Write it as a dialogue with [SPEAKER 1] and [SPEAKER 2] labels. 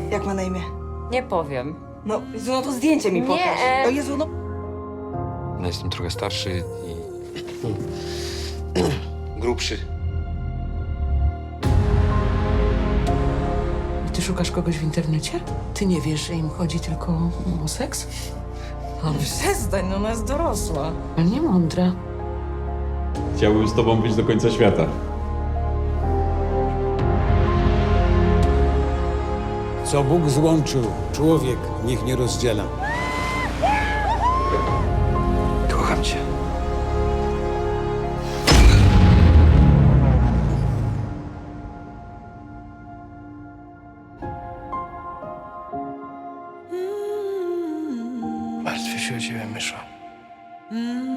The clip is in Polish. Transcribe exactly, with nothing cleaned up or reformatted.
[SPEAKER 1] Jak ma na imię?
[SPEAKER 2] Nie powiem.
[SPEAKER 1] No, Jezu, no to zdjęcie mi
[SPEAKER 2] Nie,
[SPEAKER 1] pokaż.
[SPEAKER 2] e-
[SPEAKER 1] O Jezu, no...
[SPEAKER 3] No, jestem trochę starszy i grubszy.
[SPEAKER 4] Ty szukasz kogoś w internecie? Ty nie wiesz, że im chodzi tylko o seks? Ale
[SPEAKER 2] Przestań, no ona jest dorosła.
[SPEAKER 4] nie mądra.
[SPEAKER 5] Chciałbym z tobą być do końca świata.
[SPEAKER 6] Co Bóg złączył, człowiek niech nie rozdziela.
[SPEAKER 3] Kocham cię. Martwię się o ciebie, myszo.